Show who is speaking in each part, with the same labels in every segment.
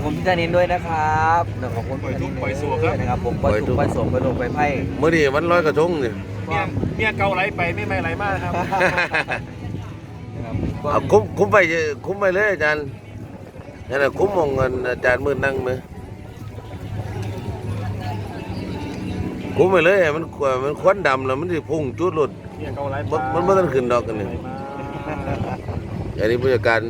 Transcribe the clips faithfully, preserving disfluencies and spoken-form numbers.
Speaker 1: คุณพี่ธนินด้วยนะครับขอบคุณพี่ธนินด้วยนะครับผมปล่อยทุกปล่อยโศกไปลงไปไพ่
Speaker 2: เมื่อนี้วันลอยกระทงนี่
Speaker 3: เมียเมียเกาไหลไปไม่ไม่ไหลมากครับ
Speaker 2: เอาคุ้มคุ้มไปคุ้มไปเลยอาจารย์นั่นแหละคุ้มมองเงินอาจารย์มือนั่งไหมคุ้มไปเลยมันมันควันดำแล้วมันจะพุ่งจุดหลุดมันไม่ต้องขึ้นดอกกันนี่อันนี้ผู้จัดการ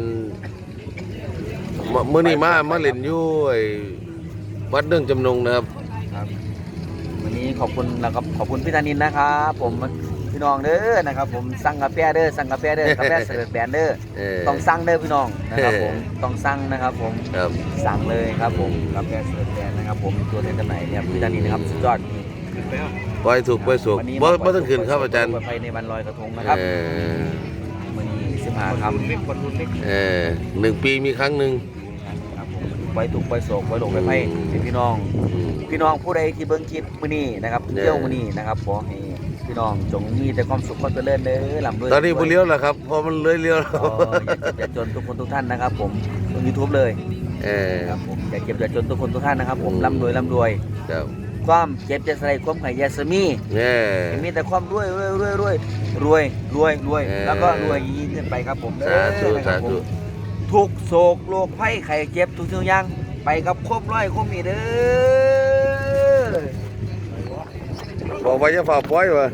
Speaker 2: เมื่อนี้มามาเล่นอยู่ไอ้วัดเรื่องจำนงนะครับ
Speaker 1: วันนี้ขอบคุณนะครับขอบคุณพี่ธนินนะครับผมพี่น้องเด้อนะครับผมสั่งกาแฟเด้อสั่งกาแฟเด้อกาแฟเสิร์ฟแบรนด์เด้อต้องสั่งเด้อพี่น้องนะครับผมต้องสั่งนะครับผมสั่งเลยครับผมกาแฟเสิร์ฟแบรนด์นะครับผมตัวแทนจำหน่ายเนี่ยพี่ธนินนะครับสุดยอด
Speaker 2: ปล่อยถูกปล่อยสุกบ่บ่ต้องขึ้นครับอาจารย์
Speaker 1: ไปในวันลอยกระทงนะครับวันนี้สิบห้าคำ
Speaker 2: เออหนึ่งปีมีครั้งหนึ่ง
Speaker 1: ไว้ถูกไว้โศกไว้หลงไว้ไพ่พี่น้องพี่น้องผู้ใดที่เบิ้งคลิปมื้อนี้นะครับเที่ยวมื้อนี้นะครับขอให้พี่น้องจงมีแต่ความสุขความเจริญเด้อลำด้วย
Speaker 2: ตอนนี้บุเลี้ยวแล้วครับพอมันเลยเลี้ยว
Speaker 1: แล้วอย่าเจ็บอย่าจนทุกคนทุกท่านนะครับผมบนยูทูบเลย
Speaker 2: เออ
Speaker 1: ครับผมอย่าเจ็บอย่าจนทุกคนทุกท่านนะครับผมร่ำรวยร่ำรวยความเจ็บจะใส่ความไข่ยาสมีมีแต่ความรวยรวยรวยรวยรวยรวยรวยแล้วก็รวยยิ่งขึ้นไปครับผม
Speaker 2: สาธุสาธุ
Speaker 1: ทุกโศกโรคภัยไข้เจ็บทุกสิ่งอย่างไปกับครบร้อยครบมีเด้อ
Speaker 2: บอกว่าจะฝ่าปล่อยวะ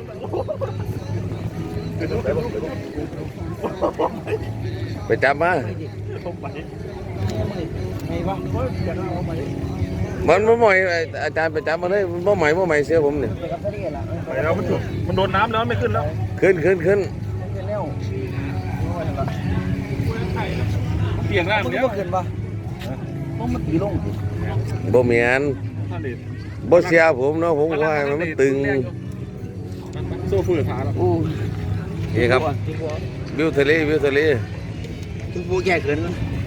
Speaker 2: ไปจับมามันไม่ใหม่อาจารย์ไปจับมาเลยไม่ใหม่ไม่ใหม่เสียผมเนี่ย
Speaker 3: ไปแล้วมันมันโดนน้ำแล้วไม่ขึ้นแล้ว
Speaker 2: ขึ้นขึ้นขึ้น
Speaker 3: เปลี่ยนร่าง
Speaker 1: แล้วขึ้นปะต้องมันตีลง
Speaker 2: บ่เหมียนบ่เสียผมเนาะผมว่ามันตึง
Speaker 3: โซ่ฝืนขาแล้ว
Speaker 2: นี่ครับวิวทะเลวิวทะเล
Speaker 1: ทุกผู้แก่เกิน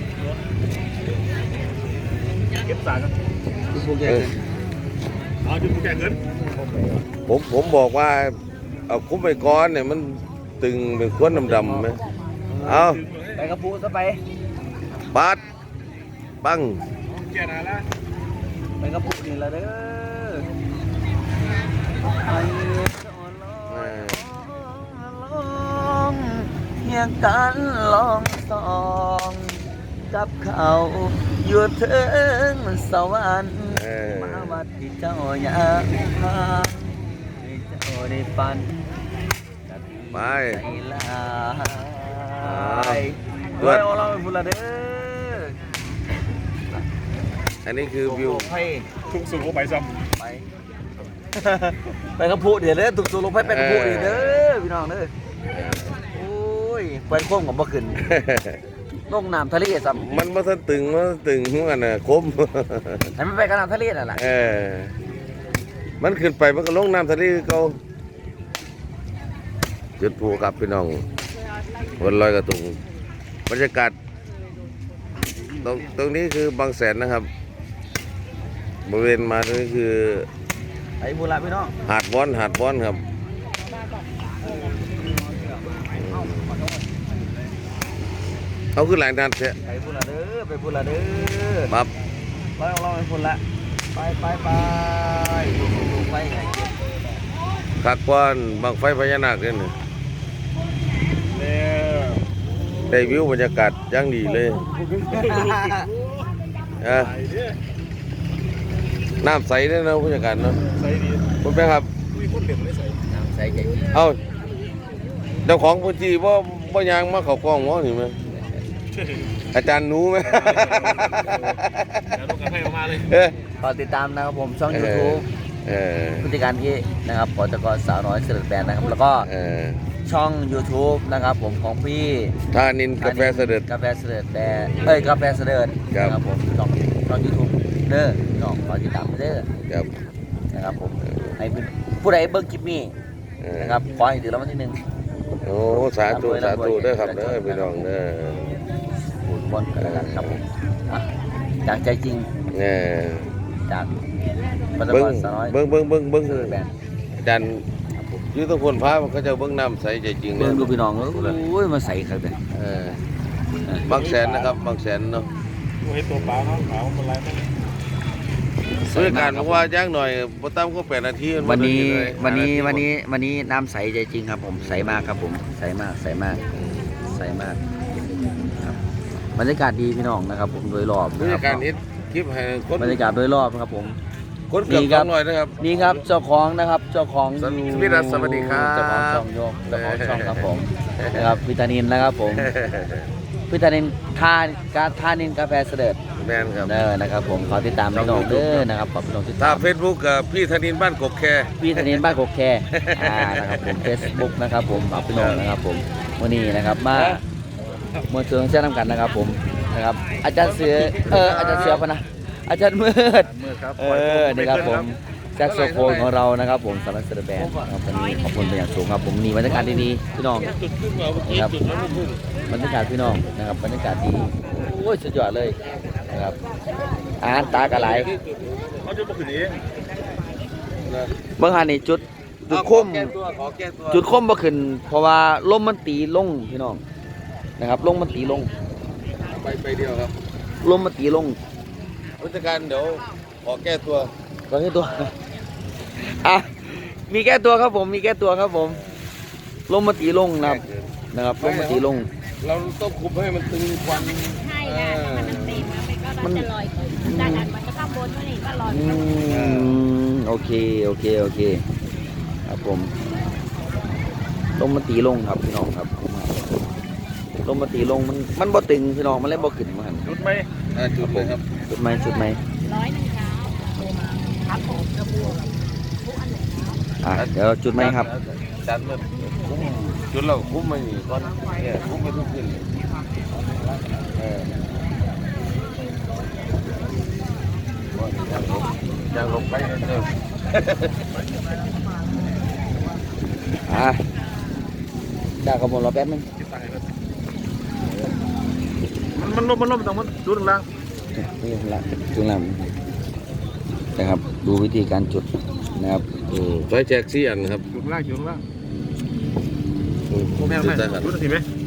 Speaker 3: เก็บสาร
Speaker 1: ทุกผู้แก่เกิน
Speaker 3: เอาทุกผู้แก่เกิน
Speaker 2: ผมผมบอกว่าเอาคุ้มไปก้อนเนี่ยมันตึงเป็นควนดำๆไหมเอา
Speaker 1: ไปกระพูซะไป
Speaker 2: ปัดปัง
Speaker 3: แก่นานแล้ว
Speaker 1: ไปกระพูนี่ละเด้อเพียงการลองสองกับเขาอยู่ถึงสวรรค์มาวัดที่เจ้าอยากพาให้เจ้าได้ฝัน
Speaker 2: ไป
Speaker 1: ลาด้วยเอาเราไปพูดละเด้อ
Speaker 2: อันนี้คือวิว
Speaker 3: ทุกสุขไปซ้
Speaker 1: ำไปไปกระพูเดี๋ยวเด้อทุกสุขลงไปไปกระพูเด้อพี่น้องเด้อโอ้ยไปโค้งกับบ่ขึ้นลงน้ำทะเลซ้
Speaker 2: ำมันมาตึงมาตึงหัวน่ะคม
Speaker 1: ให้มันไปกับน้ำทะเลน่ะล่ะ
Speaker 2: เออมันขึ้นไปมันก็ลงน้ำทะเลเขาจุดภูกับพี่น้องวันลอยกระทงบรรยากาศตรงตรงนี้คือบางแสนนะครับบริเวณมาตรงนี้คือ
Speaker 1: ไอ้บุระพี่น้อง
Speaker 2: หาดวอนหาดวอนครับเขาคือแหล่งนัด
Speaker 1: เนี่ยไปบุระเด้อไปบุระเด้อ
Speaker 2: ปั๊บ
Speaker 1: ไปเอาเราไปบุระไปไปไปดูไป
Speaker 2: กักก้อนบางไฟพญานาคเนี่ยได้วิวบรรยากาศย่างดีเลยน้ำใสเนี่ยนะผู้จัดการเนาะ
Speaker 3: ใสดี
Speaker 2: คุณแม่ครับ
Speaker 1: น้ำใสใจ
Speaker 2: เอาเจ้าของพื้นที่ว่าว่ายางมาเขากล้องวะนี่ไหมอาจารย์หนูไหม
Speaker 1: ขอติดตามนะครับผมช่องยูทูบผู้จัดการพี่นะครับปตกสาวน้อยเสด็จแบนนะครับแล้วก็ช่อง ยูทูบ นะครับผมของพี่
Speaker 2: ธานินกาแฟเสด็จ
Speaker 1: กาแฟเสด็จแบนเอ้ยกาแฟเสด็จนะครับผมช่องช่อง ยูทูบ เด้อน้องขอติดตามเด้อ
Speaker 2: ครับ
Speaker 1: นะครับผมให้ผู้ใดเบิ่งคลิปนี้นะครับขอให้ถือรางวัลที่หนึ่ง
Speaker 2: โอ้สาธุสาธุเด้อครับเด้อพี่น้องเด้อ
Speaker 1: บุญบนกันครับผมจากใจจริง
Speaker 2: เนี่ย
Speaker 1: จาก
Speaker 2: เบิ้งเบิ้งเบิ้งเบิ้งเบิ้งอาจารย์ยืดต้นคนพาเขาจะเบิ้งน้ำใสใจจริง
Speaker 1: เบิ้งดูพี่น้องโอ้ยมาใส่ครับเนี่ย
Speaker 2: บางแสนนะครับบางแสนเนาะ
Speaker 3: เห็นตัวเปล่าเนาะเปล่ามันไรไหม
Speaker 2: ซื้อการบอกว่าย่างหน่อยบ่ต่ำก็แปดนาทีมั
Speaker 1: วันนี้
Speaker 2: เลย
Speaker 1: วันนี้
Speaker 2: ห้าาที
Speaker 1: วันนี้วันนี้น้ำใสใจจริงครับผมใสมากครับผมใสมากใสมากใสมากครับบรรยากาศดีพี่น้องนะครับ ผมโดยรอบบ
Speaker 2: รรยากาศนี้คลิปให้คน
Speaker 1: บรรยากาศโดยรอบครับผม
Speaker 2: คนเกือบ
Speaker 1: ดีค
Speaker 2: ส
Speaker 1: รั
Speaker 2: อบ งร้อยนะครับ
Speaker 1: นี่ครับเจ้าของนะครับเจ้าของ
Speaker 2: สวัสดี
Speaker 1: อยู่
Speaker 2: พี่รัฐสวัสดีครับ
Speaker 1: เจ้าของช่องโยกเจ้าของช่องครับผมนะครับวิตานินนะครับผมวิตานินทานการทานินกาแฟเสด็จ
Speaker 2: แมนครับ
Speaker 1: เด้อนะครับผมขอติดตามพี่น้องเด้อนะครับขอบพี่น้องติด
Speaker 2: ถ้า
Speaker 1: ตาม
Speaker 2: เฟซบุ๊กกับพี่ธนินบ้านกกแค
Speaker 1: พี่ธนินบ้านกกแคอ่านะครับผมเฟซบุ๊กนะครับผมฝากพี่น้องนะครับผมวันนี้นะครับมามวลชนเชื่อน้ำกันนะครับผมนะครับอาจารย์เสือเอออาจารย์เสือพะนะอาจารย์มืด
Speaker 3: มือครับ
Speaker 1: เออนี่ครับผมแซกโซโฟนของเรานะครับผมสำหรับเซอร์แบนนะครับวันนี้ขอบคุณเป็นอย่างสูงครับผมนี่บรรยากาศดีๆพี่น้อง
Speaker 2: จุดขึ้นมาเมื่อกี้
Speaker 1: ครับ
Speaker 2: จุดแล้วพุ่ง
Speaker 1: บรรยากาศพี่น้องนะครับบรรยากาศดีโอ้ยสุดยอดเลยนะครับอาหารตากระไหล
Speaker 3: เขาจะมาขึ้นเอง
Speaker 2: นะ
Speaker 1: เมื่อหานี่จุดจุด
Speaker 2: เอา
Speaker 1: ค
Speaker 2: ขอ
Speaker 1: ม
Speaker 2: แก้ตัวขอแก้ตัว
Speaker 1: จุดคมบ่ขึ้นเพราะว่าลมมันตีลงพี่น้องนะครับลมมันตีลง
Speaker 2: ไปไปเดียวครับ
Speaker 1: ลมมันตีลง
Speaker 2: ผู้จัดการเดี๋ยวขอแก้ตัว
Speaker 1: ก็แค่ตัวอ่ะมีแก้ตัวครับผมมีแก้ตัวครับผมลมมันตีลงนะครับนะครับลมมันตีลง
Speaker 2: เราต้องคุมให้มันตึงควัน
Speaker 4: ใช่ค่ะถ้ามันเต็มนะมันก็จะลอยขึ้นด้านนั้นมันจะข้างบนเท่านี้ก็ลอย
Speaker 1: อื
Speaker 4: ขึ้น
Speaker 1: มโอเคโอเคโอเคครับผมลมมันตีลงครับพี่น้องครับลมมันตีลงมันมันบ่ตึงพี่น้องมันเลยบ่ขึ้นมาหัน
Speaker 3: จุดไหม
Speaker 2: อ่าจุดเลยครับ
Speaker 1: จุดไหมจุดไหม
Speaker 4: ร้อยหนึ่งเช้าครับผมกระบวกทุกอันเลยนะ
Speaker 1: อ่ะเดี๋ยวจุดไหมครับ
Speaker 2: จัดเลยคุ้มจุดเราคุ้มไม่หนีก่อนเนี่ยคุ้มไปทุกขึ้นเออยังลงไปเดิม
Speaker 1: อ่ะจ้าขบวนรอแป๊บนึง
Speaker 3: มันล้มมันล้มตรงมันจุดล่าง
Speaker 1: นี่ละจุดละนะครับ ดูวิธีการจุดนะครับ
Speaker 2: อืมไฟแจกสี่อันครับ
Speaker 3: จุดล่างจุดล่าง
Speaker 2: อืม
Speaker 3: โอ้แม่
Speaker 2: จุ
Speaker 3: แม่
Speaker 2: ดได้ครับ
Speaker 3: จุดทีไหม